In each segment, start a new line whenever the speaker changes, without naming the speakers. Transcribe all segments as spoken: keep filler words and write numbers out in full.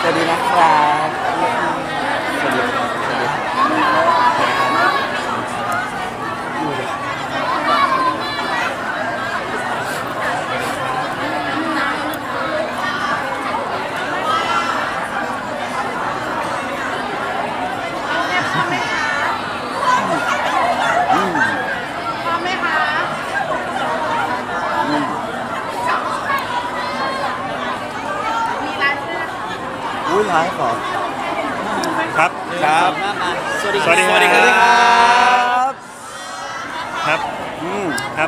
สวัสดีนะครับสวัสดีครับสวัสดีครับอืม
พร้อมไหมคะ
อืม
มีไลฟ์ด้วยนะคะ
อุ้ยไลฟ์เหรอ
ครับ
ครับ
สวัสดี
สวัสดี
สวัสดีครับ
บ
ครับ
อืม
ครับ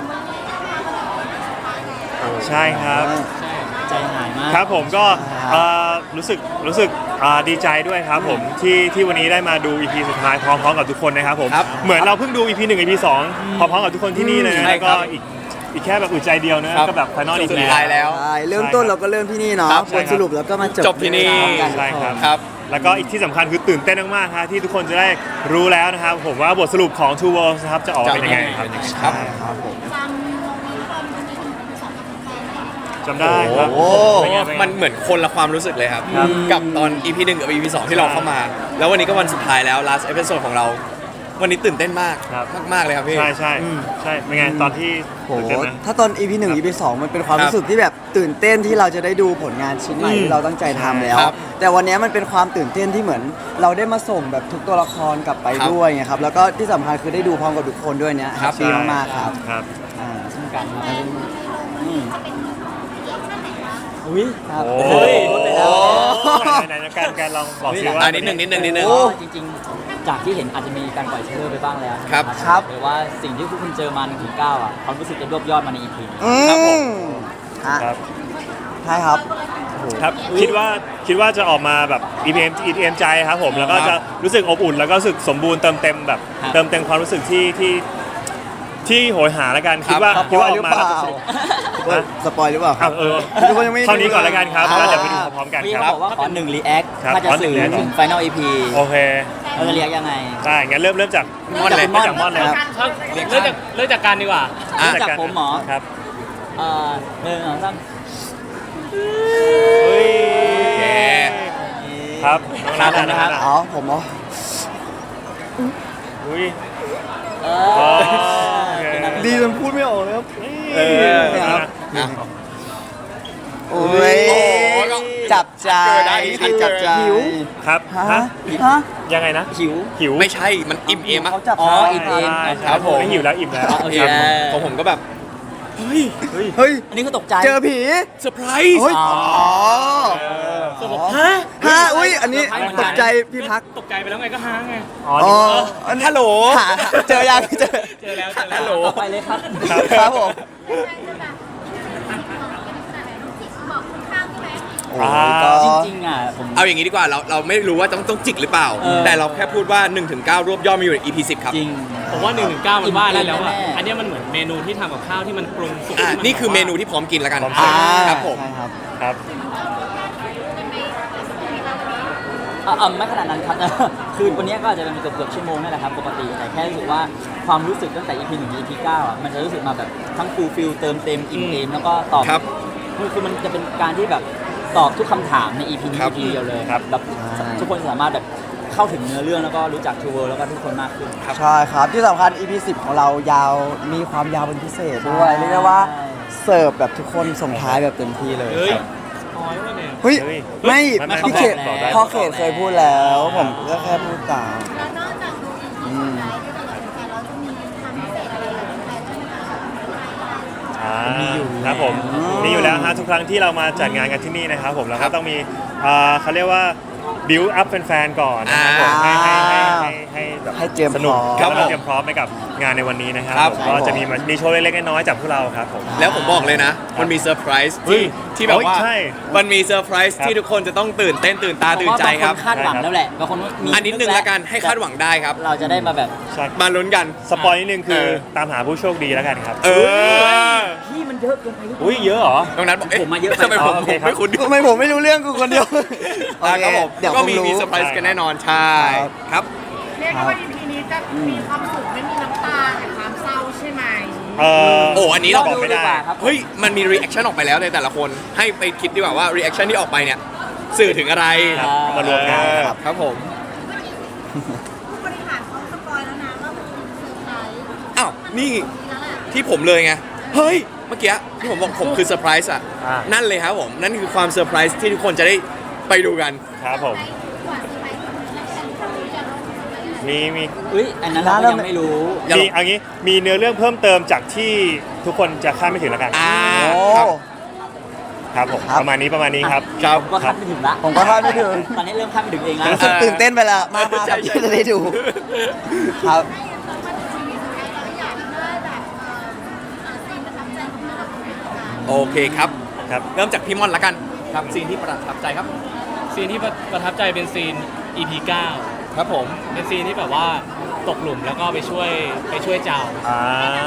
ใช่ครับ
ใจหายมาก
ครับผมก็เอ่อรู้สึกรู้สึกอ่าดีใจด้วยครับผมที่ที่วันนี้ได้มาดู อี พี สุดท้ายพร้อมๆกับทุกคนนะครับผม
ครับ
เหมือนเราเพิ่งดู อี พี หนึ่ง อี พี สองพร้อมๆกับทุกคนที่นี่เลยนะ
ใช่
แล้ว
ครั
ก็
บ
อีกอีกแค่แบบอึดใจเดียวนะครับ ก็แบบไฟนอลอี
สุด
พี
ท้ายแล้ว
ใช่เริ่มต้นเราก็เริ่มที่นี่เนาะ
ครับ
ผลสรุปแล้วก็มาจบ
จบที่นี่
พร้อมกัน
ใช่ครับ
ครับ
แล้วก็อีกที่สำคัญคือตื่นเต้นมากๆครับที่ทุกคนจะได้รู้แล้วนะครับผมว่าบทสรุปของ Two Worlds นะครับจะออกมาเป็นยังไงครับ
ครับ
ครับผม
จำลงนี้คนคนนี้ถึงเป็นสองกับแฟนไหมคะ
จำได้ครับ
โอ้
เป็นไงเป็นไง
มันเหมือนคนละความรู้สึกเลยครับ
ครับ
กับตอน อี พี หนึ่งกับ อี พี สองที่เราเข้ามา แล้ววันนี้ก็วันสุดท้ายแล้ว last episode ของเรา วันนี้ตื่นเต้นมาก
ครับ
มากๆเลยครับพี่
ใช่ใช่
อืม
ใช่เป็นไงตอนที่
โห
ตื่นเต้นไหม
ถ้าตอน อี พี หนึ่ง อี พี สองมันเป็นความ
ครับ
รู้สึกที่แบบตื่นเต้นที่เราจะได้ดูผลงานชิ้นใหม่
อืม
ที่เราตั้งใจทำแล้ว
ครับ
แต่วันนี้มันเป็นความตื่นเต้นที่เหมือน เราได้มาส่งแบบทุกตัวละครกลับไป
ครับ
ด้วยไงครับ แล้วก็ที่สำคัญคือได้ดูพร้อมกับทุกคนด้วยเนี้ย
ครับ
ดีมากๆครับ
ครับ
อ่าเช่นกันครับอืม
ถ้าเป็นเรียกชั่นไหนคะ
อุ้ยครับ
โอ้
โอ้ย
โอ้
ไหนๆๆการการลองบอกสิว่า
อ่านิดหนึ่งนิดหนึ่งนิดหนึ่ง
โอ้
จริงๆ จากที่เห็นอาจจะมีการปล่อยเทรลเลอร์ไปบ้างแล้ว
ครับ
ครับ
หรือว่าสิ่งที่พวกคุณเจอมาหนึ่งถึงเก้าอ่ะความรู้สึกจะรวบยอดมาใน อี พี นี้
อื
ครับผม
มฮะ
ครับ
ใช่ครับ
ครับคิดว่าคิดว่าจะออกมาแบบ อี พี เอ็ม อี พี เอ็ม ใจครับผมแล้วก็จะรู้สึกอบอุ่นแล้วก็รู้สึกสมบูรณ์เติมเต็มแบบ
ครับ
เติมเต็มความรู้สึกที่ที่ที่โหยหาแล้วกัน
ครับ
คิดว่า
ส
คิ
ป
ด
อ
ว่าย อ
ห
อ
รือก
มา
เปล่า
แล้วจะสนุก
เฮ้ยสปอยหรือเปล่าครั
อ้า
บ
วเออ
ทุกคนยังไม่
เท่านี้ก่อนแล้วกันครับ
อ่า
แล้วเดี๋ยวไปดูพร้อมๆกัน
พี่
ค
เขา
รับ
บอกว่าขอหนึ่งรีแอค
ครับ
ถ้าจะ
ขอหนึ่
สื่
ง
อ
react
ถึง Final อี พี
โอเค
เราจะเรียกยังไง
ได้งั้นเริ่มเริ่มจาก
มอนเลย
เริ่มจากมอนเลย
ครับ
การ
เรียก
เริ่มจากเริ่มจากการดีกว่า
อ่ะ
รู้จักผมเหรอ
ครับ
เอ่อหนึ่งสองสาม
เฮ้ย
แหม
ครับ
ครับผมนะครับ
อ๋อผมเหรอ
อุ้ย
เอ
อ๋อ
อ
โอเค
เป็นนัก
ดีจนพูดไม่ออกเลยครับ
เออ
ครับ
อ่ะ
โอ้ย
โอ้โหก็
จับใจ
เกิดได้ทันจับใจ
หิว
ครับ
ฮะ
ฮะ
ฮะ
ยังไงนะ
หิว
หิว
ไม่ใช่ มันอิ่มเอมอะ
เขาจับ
อ๋อ
ใจ
อิ่มเอม
ใช่ใช่
ครับผม
ไม่หิวแล้วอิ่มแล้ว
โอเค
ของผมก็แบบ
เฮ้ยเฮ้ย
เฮ้ย
อันนี้ก็ตกใจ
เจอผี
เซอร์ไพรส์
เฮ้ย
อ๋อ
อ๋อ
ฮะ
ฮะอุ้ยอันนี้
เซอร์ไพรส์เหมือน
ต
กัน
กใจพี่พัก
ตกใจไปแล้วไงก็ค้างไง
อ๋อ
อ๋อ
นี่
อันนี้
ฮัลโหล
หาหาเจอยังเจอ
เจอแล้วเจอแล้ว
ฮัลโหล
ไปเลยครับ
ครับ
ครับผม
จะแบบเป็นขนาดไหนต้องจิกบอกข้างๆใช่ไหม
โอ้ยก็
จริงๆอ่ะผม
เอาอย่างนี้ดีกว่า เราเราไม่รู้ว่าต้องต้องจิกหรือเปล่า
เออ
แต่เราแค่พูดว่าหนึ่งถึงเก้ารวบยอดมาอยู่ใน อี พี สิบครับ
จริง
ผมว่าหนึ่งถึงเก้ามันว่าได้แล้วอ่ะ
อิ่มแน่ๆ
อันเนี้ยมันเหมือนเมนูที่ทำกับข้าวที่มันปรุงสุก
อ่ะ
ที่มั
นี่คือเมนู
แบบว่า
ที่พร้อมกินแล้วกัน
พร้อมเสิร์ฟ
อ่า
ครับผม
ใช่ครับ
ครับ
เอ่อเอ่อไม่ขนาดนั้นครับ คือวันนี้ก็อาจจะเป็นเกือบเกือบชั่วโมงนั่นแหละครับปกติแต่แค่รู้สึกว่าความรู้สึกตั้งแต่ อี พี หนึ่งถึง อี พี เก้าอ่ะมันจะรู้สึกมาแบบทั้งฟูลฟิลเติมเต็มอิ่มเอมแล้วก็ตอบ
ครับ
คือคือมันจะเป็นการที่แบบตอบทุกคำถามใน อี พี นี้
ครับ
อี พี เดียวเลย
ครับ
แบบทุกคนสามารถแบบเข้าถึงเนื้อเรื่องแล้วก็รู้จักทูเวิร์แล้วก็ทุกคนมากขึ้น
ใช่ครับที่สำคัญ อี พี สิบของเรายาวมีความยาวเป็นพิเศษด้วย
ใช่
เรียกได้ว่าเสิร์ฟแบบทุกคนส่งท้ายแบบเต็มที่เลย
เฮ้ย
ครับ
พอยวะเนี่ย
เฮ้ย
เฮ้ย
ไม่
ไม่ไม่
พี่เขต
บอกได้
พ่อเขตเคยพูดแล้ว ผมก็แค่พูดตาม
แล้วนอกจากดูอีพีสุดท้ายที่จะเหลือแฟนเราจะมีความพิเศษอะไรกับแฟนใช่ไหมคะ
อ่าครับผมมีอยู่แล้วฮะทุกครั้งที่เรามาจัดงานกันที่นี่นะครับผมเราก็ต้องมีอ่าเขาเรียกว่า build up แฟนๆก่อนนะครับผมให้ให้ให้ให้ให้แบบ
ให้เตรียม
สนุก
พร้อม
แล้วก็เตรียมพร้อมไปกับงานในวันนี้นะครับ
ครับ
ผมก็จะมีมามีโชว์เล็กๆน้อยๆจากพวกเราครับผม
แล้วผมบอกเลยนะ มันมีเซอร์ไพรส์
เฮ้
ที่
ย
ที่แบบว่า
โอ้ยใช่
มันมีเซอร์ไพรส์
ครับ
ที่ทุกคนจะต้องตื่นเต้นตื่นตาตื่นใจครับ
ผมว่าบางคนคาดหวังแล้วแหละบางคนมี
อันนิดนึงละกันให้คาดหวังได้ครับ
เราจะได้มาแบบ
ใช่
มาลุ้นกัน
สปอยนิดนึงคือ
เออ
ตามหาผู้โชคดีแล้วกันครับ
เออ
พี่มันเยอะเกินไปหรือเปล่า
อุ้ยเยอะเหรอ
ตรงนั้นบอกเอ๊ะ
ผมมาเยอะไป
ทำไมผม
อ๋อโอ
ผ
เค
ม
ครับ
ไม่คุ้น
ทำไมผมไม่รู้เรื่องกูคนเดียว
อ่ะครับผม
เดี๋ยว
ก็
คง
มี
รู้
มีเซอร์ไพรส์กันแน่นอนใช่
ครับ
ครับ
เรียกได้ว่า อี พี นี้จะมีความสุขไม่มีน้ำตาแต่ความเศร้าใช่ไหม
เออ
โอ้อันนี้เรา
บอกไม่ได้
ดีกว่าครับ
เฮ้ยมันมีรีแอคชั่นออกไปแล้วในแต่ละคนให้ไปคิดดีกว่าว่ารีแอคชั่นที่ออกไปเนี่ยสื่อถึงอะไร
ครับมารวมกันครับ
ครับผม
ผู้บริหารเขาสปอยแล้วนะว่ามันเป็นเซอร์ไพรส์
อ้าวนี่
แล้วแหละ
ที่ผมเลยไงเฮ้ยเมื่อกี้ที่ผมบอกผมคือเซอร์ไพรส์อ่ะ
อ่า
นั่นเลยครับผมนั่นคือความเซอร์ไพรส์ที่ทุกคนจะได้ไปดูกัน
ครับผม
กว่าเซอร์ไพรส์จะรู้จะรู้
มีมี
อุ้ยอันนั้นเราก็ยังไม่รู้
อย่าหร
มี
อก
เอันนี้มีเนื้อเรื่องเพิ่มเติมจากที่ทุกคนจะคาดไม่ถึงแล้วกัน
อ่า
โอ้
ครับ
ครับผม
ครับ
ประมาณนี้ประมาณนี้ครับ
ครับ
ผมก็คาดไม่ถึงละ
ผมก็คาดไม่ถึง
ตอนนี้เริ่มคาดไม่ถึงเองแล้ว
รู้สึกตื่นเต้นไปแล้วมากๆครับที่จะได้ดูครับ
โอเคครับ
ครับ
เริ่มจากพี่ม่อนละกันครับซีนที่ประทับใจครับ
ซีนที่ประทับใจเป็นซีน อี พี เก้า
ครับผม
เป็นซีนที่แบบว่าตกหลุมแล้วก็ไปช่วยไปช่วยเจ้า
อ่า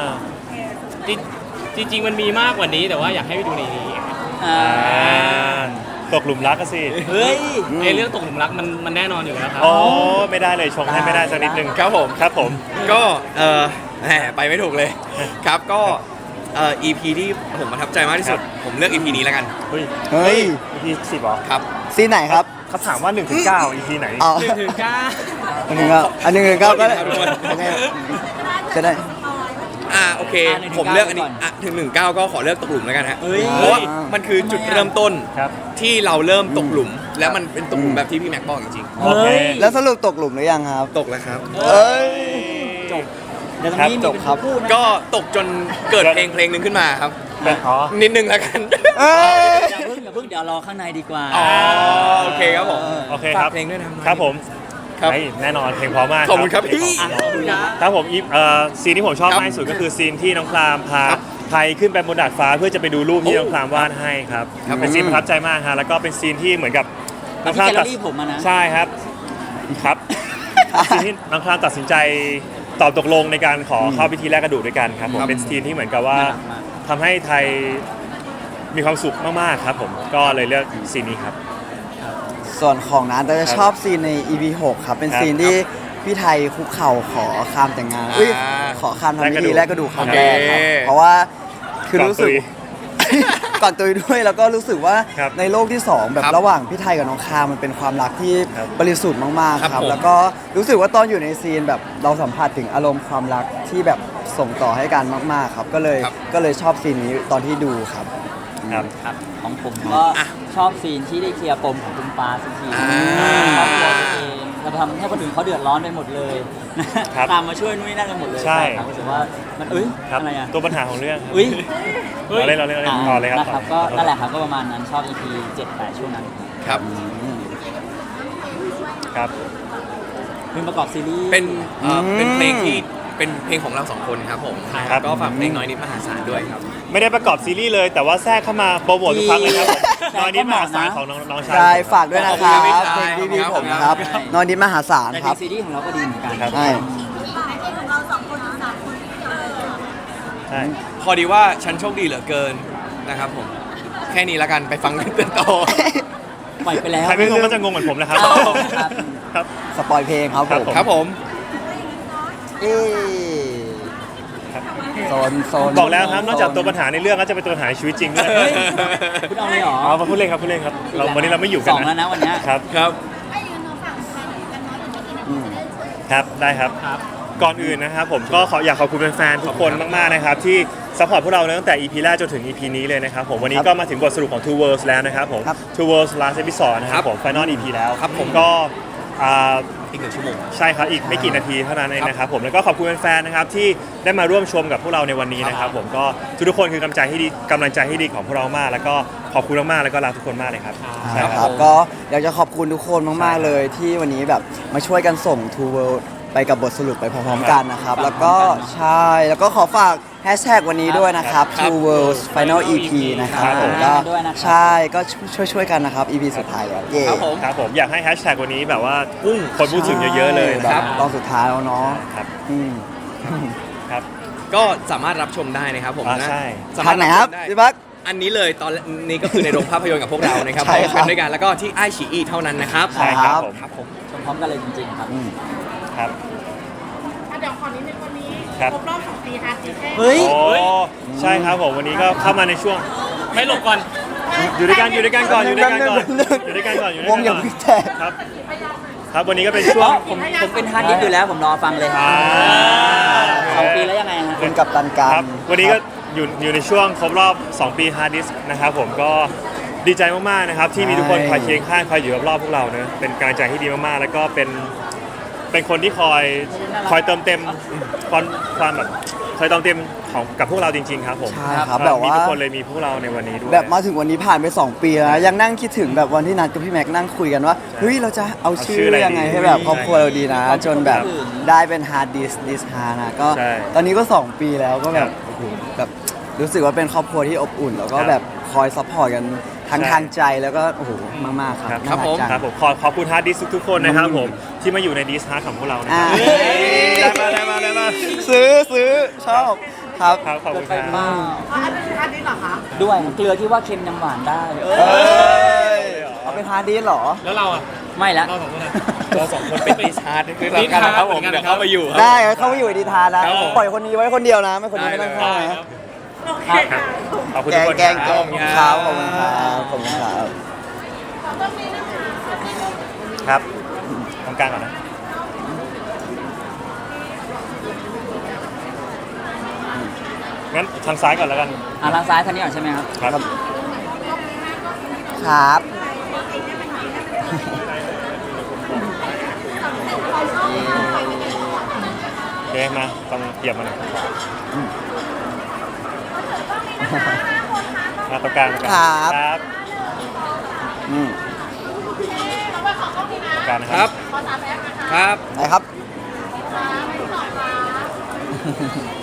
จริงจริง ๆ มันมีมากกว่านี้แต่ว่าอยากให้ไปดูในนี้
อ่า
อ่าตกหลุมรักก็สิ
เฮ้ย
ไอเรื่องตกหลุมรักมันมันแน่นอนอยู่แล้วครับ
โอ้ไม่ได้เลยชงให้ไม่ได้สักนิดนึง
ครับผม
ครับผม
ก็เออแหมไปไม่ถูกเลย ครับก็เอ่อ อี พี ที่ผมประทับใจมากที่สุด ผมเลือก อี พี นี้แล้วกัน
เฮ้ย
เฮ้ย
อีพีสิบเหรอ
ครับ
ซีนไหนครับ
เขาถามว่าหนึ่งถึงเก้าอีพีไหน
อ๋อ
หนึ่งถึงเก้า
อันหนึ่งครับอันหนึ่งเก้าก็ได้
ขอบคุณครับทุกคน
โอเคจะได้
อ่าโอเค
อ่ะหนึ่งถึง
ผมเลือกอันนี้
เก้าก่อน
อ่ะถึงหนึ่งเก้าก็ขอเลือกตกหลุมแล้วกันฮะ
เฮ้ย
เพราะว่ามันคือจุดเริ่มต้น
ครับ
ที่เราเริ่มตกหลุม แล้วมันเป็นตกหลุมแบบที่พี่แม็กบอกจริง
โอเค
แล้วสรุปตกหลุมหรือยังครับ
ๆตกแล้วครับ
เอ้ย
จบเดี๋ยวตรงนี้มี
จบ
เป็น
ครับ
คู่นะ
ก็ตกจนเกิดเพลงเพลงหนึ่งขึ้นมาครับ
เป็นอ๋อ
นิดนึงแล้วกัน
เอ้ย
อย่าเพิ่งอย่าเพิ่งเดี๋ยวรอข้างในดีกว่า
อ๋อโอเคครับผม
โอเคครับ
ฝากเพลงด้วยนะครับ
ครับผม
ครับ
เฮ้ยแน่นอนเพลงเพราะมาก
ขอบคุณครับพี่
อ่ะขอบคุณครับ
ครับผมอีฟเอ่อซีนที่ผมชอบ
ครับ
มากที่สุดก็คือซีนที่น้องคลามพา
ครับ
ไทยขึ้นไปบนดาดฟ้าเพื่อจะไปดูรูปที่
โอ้
น้องคลามวาดให้ครับ
ครับ
เป็นซีนประทับใจมากฮะแล้วก็เป็นซีนที่เหมือนกับ
ที่แกลเลอรี่ผมอะนะ
ใช่ครับครับ ซีนที่น้องคลามตัดสินใจตอบตกลงในการขอเข้าพิธีแลกกระดูกด้วยกันครับผม
ครับ
เป็นซีนที่เหมือนกับว่า
น่ารักมาก
ทำให้ไทยมีความสุขมากๆครับผมก็เลยเลือกซีนนี้ครับ
ส่วนของนั้นเราจะชอบซีนใน อี พี หกครับ เป็น
ครับ
ซีนที่พี่ไทยคุกเข่าขอคามแต่งงานอุ้ย
อ่า
ขอคามทำพิธี
แล
แล
ก
ก
ก
ก
ระ
ระ
ดู
ดู
ก
กครั้งแรกครับ
โอเค
เพราะว่าคือรู้สึก
ก่อนตุย
ก่อนตุยด้วยแล้วก็รู้สึกว่า
ครับ
ในโลกที่สองแบบ
ครับ
ระหว่างพี่ไทยกับน้องคามมันเป็นความรักที่
ครับ
บริสุทธิ์มาก
ครับ
ๆครับ
ผม
แล้วก็รู้สึกว่าตอนอยู่ในซีนแบบเราสัมผัสถึงอารมณ์ความรักที่แบบส่งต่อให้กันมาก ๆ ครับ ก็เลย
ครับ
ก็เลยชอบซีนนี้ตอนที่ดูครับ
ครับ
ครับของผมก็
อ่ะ
ชอบซีนที่ได้เคลียร์ปมของคุณปาสักที
อ่า
ครอบครัวตัวเองเราทำให้คนอื่นเขาเดือดร้อนไปหมดเลยนะครับ ตามมาช่วยนุ้ยนั่นกันหมดเลย
ใช่
ครับรู้สึกว่ามันเอ้ย
ครับ
อะไรอ่ะ
ตัวปัญหาของเรื่อง
อุ้ย
เราเล่นเราเล่นเราเล่นต่อเลยครับ
นะครับ
ต่
ก็
อ
นั่นแหละครับก็ประมาณนั้นชอบ อี พี เจ็ด แปดช่วงนั้น
ครับ
ครับ
เพลงประกอบซีรีส์
เป็นเอ่อ
อืม
เป็นเพลงที่เป็นเพลงของเราสองคนครับผม
ครับ
ก็ฝากเพลงน้อยนิดมหาศาลด้วยครับ
ไม่ได้ประกอบซีรีส์เลย แต่ว่าแทรกเข้ามาโปรโมททุกครั้งเลยครับผม
แทรก
ตอนนี้
เข้า
มา
มา
สาย
นะ
ของน้องน้องชาย
ใช่ฝากด้วยนะครั
ขอบคุณครับ
บเพลงพี่พี่
ครับ
ผมนะครับ
ครับ
นอนดินมหาศาล
แต่
ค
ใน
รับ
ซีรีส์ของเราก็ดีเหมือนกัน
ครับ
ใช่
เพลงของเราสองคนหรือสามคนที่เออ
ใช่
พอดีว่าฉันโชคดีเหลือเกินนะครับผม แค่นี้ละกันไปฟังเรื่องต่อ
ปล่อยไปแล้ว
ใครไม่งงก็จะงงเหมือนผมนะครับ
ครับ
ครับ
สปอยเพลงครับผม
ครับผม
เอ๊โซนโซน
บอกแล้วครับนอกจากตัวปัญหาในเรื่องก็จะเป็นตัวปัญหาในชีวิตจริงด้วย
เฮ้ยคุณเอาเลยเหรอ
อ๋อมาพูดเล่นครับพูดเล่นครับเราวันนี้เราไม่อยู่กัน
สองแล้วนะวันเนี้ย
ครับ
ครับ
ไอ้ยืนน้องฝั่งใครกันน้อยอีกไม่กี่นาทีจะได้ช่วย
ครับได้ครับ
ครับ
ก่อนอื่นนะครับผมก็ขออยากขอบคุณแฟนๆทุกคนมากๆนะครับที่ซัพพอร์ตพวกเราตั้งแต่ อี พี แรกจนถึง อี พี นี้เลยนะครับผมวันนี้ก็มาถึงบทสรุปของ Two Worlds แล้วนะครับผม Two Worlds Last Episode นะครับผม Final อี พี แล้ว
ครับผม
ก็อ่า
อีกหนึ่งชั่วโมง
ใช่ครับอีกไม่กี่นาทีเท่านั้นเองนะครับผมแล้วก็ขอบคุณแฟนๆนะครับที่ได้มาร่วมชมกับพวกเราในวันนี้นะครับผมก็ทุกๆคนคือกำลังใจที่ดีกำลังใจที่ดีของพวกเรามาก แล้วก็ขอบคุณมากๆแล้วก็รักทุกคนมากเลยครับใช่
นะ
ค
ค
รั
รั
บบ
ก็อยากจะขอบคุณทุกคนมาก ๆ เลยที่วันนี้แบบมาช่วยกันส่ง Two World ไปกับบทสรุปไปพร้อมๆกันนะครับ แล้วก็ใช่แล้วก็ขอฝากแฮชแท็กวันนี้ด้วยนะครับ
ครับ
Two Worlds Final อี พี นะครับ
ครับ
ผมก็
ด้วยนะครับ
ใช่ก็ช่วยช่วยๆกันนะครับ อี พี สุดท้ายแล้วเย่
ครับผม
ครับผมอยากให้แฮชแท็กวันนี้แบบว่าพุ่งคนพูดถึงเยอะๆเลย
แบ
นะครับ
บตอนสุดท้ายแล้วเนาะ
ครับ
อืม
ครับ
ก็สามารถรับชมได้นะครับผม
อ่า
นะ
ใช่
สา
ทาม
าง รถ
ไหน
รับ
ค
ช
รับ
มได้
พี่บัก
อันนี้เลยตอนนี้ก็คือในโรงภาพยนตร์กับพวกเรานะครับ
ใช่ครับ
พร้อมกันด้วยกันแล้วก็ที่ไอชีอีเท่านั้นนะครับ
ใช่ครับผม
ครับผม
ชมพร้อมกันเลยจริงๆครับ
อืม
ครับ
เดี๋ยวขอนิดนึงวันนี้
ครับ
ครบรอบสองปีฮาร์ดดิสแท้
เฮ้ย
โอ้ใช่ครับผมวันนี้ก็เข้ามาในช่วง
ไม่หลบก่อน
ไม่
อยู่ด้วยกันอยู่ด้วยกันก่อนอยู่ด้วยกันก่อน
หนึ่ง
อยู่ด้วยกันก่อนอยู่ด้วย
ว
กั
ง
น
อย่า
ก่อน
เพิ่งแตก
ครับ ครับวันนี้ก็เป็นช่
เพ
วง
ราะผมผมเป็นฮาร์ดดิสก์อยู่แล้วผมรอฟังเลย
อ่า
สองปีแล้วยังไงฮะ
คุณกับตันการ
ครับวันนี้ก็อยู่อยู่ในช่วงครบรอบ สอง ปี Hard Disk นะครับผมก็ดีใจมากๆนะครับที่มีทุกคนคอยเคียงข้างคอยอยู่รอบๆพวกเราเนะเป็นกำลังใจที่ดีมากๆ แล้วก็เป็นเป็นคนที่คอยคอยเติมเต็มความความแบบคอยเติมเต็มของกับพวกเราจริง ๆ ครับผม
ใช่ครับ
เอ่อ
แบบ
มี
ว่า
ทุกคนเลยมีพวกเราในวันนี้ด้วย
แบบมาถึงวันนี้ผ่านไป สอง ปีแล้วนะยังนั่งคิดถึงแบบวันที่นัดกับพี่แม็กซ์นั่งคุยกันว่าเฮ้ยเราจะเอาชื่
เอาชื่อ
อ
อะไร
ยังไง
ดี
ให้แบบครอบครัวเราดีนะ
ใช่
จนแบบ
ครับ
ได้เป็นฮาร์ดดิสดิสฮาร์นะก็
ใช่
ตอนนี้ก็ สอง ปีแล้วก็แบ
ครับ บ
โอ้โหแบบรู้สึกว่าเป็นครอบครัวที่อบอุ่น แล้วก็
ครับ
แบบคอยซัพพอร์ตกันทั้ง
ใช่
ทางใจแล้วก็โอ้โหมากๆครับ
ครับผม
น่ากจัง
ครับผมขอขอบคุณ Hard Disk ทุกๆคนนะครับผมที่มาอยู่ใน Disk Hard ของพวกเรานะค
อ่า
รับได้มาได้มาได้มา
ซื้อซื้อชอบครับ
ครับขอบคุณค
ไป
รับ
มาก
อันนี้อันนี้เหรอคะ
ด้วยเกลือที่ว่าเค็มยังหวานได้
เอ้ยเอาเป็นฮาร์ดดิสก์เหรอ
แล้วเราอ่ะ
ไม่ละ
เราสองคนอะ
เราสองคนเป็นดิสฮาร์ดคือเรากันนะครับผมเดี๋ยวเข้ามาอยู่ครับ
ได้เข้ามาอยู่ในดีทานนะครับ
ผม
ปล่อยคนนี้ไว้คนเดียวนะ ไม่คนนี้ไม่ต้องเข้า
ได้
นะครับ
โอเคค่ะ
ขอบคุณ
แก
ทุก
ง
คน
แกง
ค
แก
รับ
งครับขอบคุณครับขอบคุณครับ
ครับตรงกลางก่อนนะงั้นทางซ้ายก่อนแล้วกัน
อ่ะทางซ้ายทางนี้ก่อนใช่ไหมครับ
ครับ
ครับ
โอเคมาต้องเหยียบมาหน่อยมาตรงกลางตรงกลางครับ
อืม
ตรงกลางนะ
ค
ค
รั
รั
บบ ครับ
ไหนครับ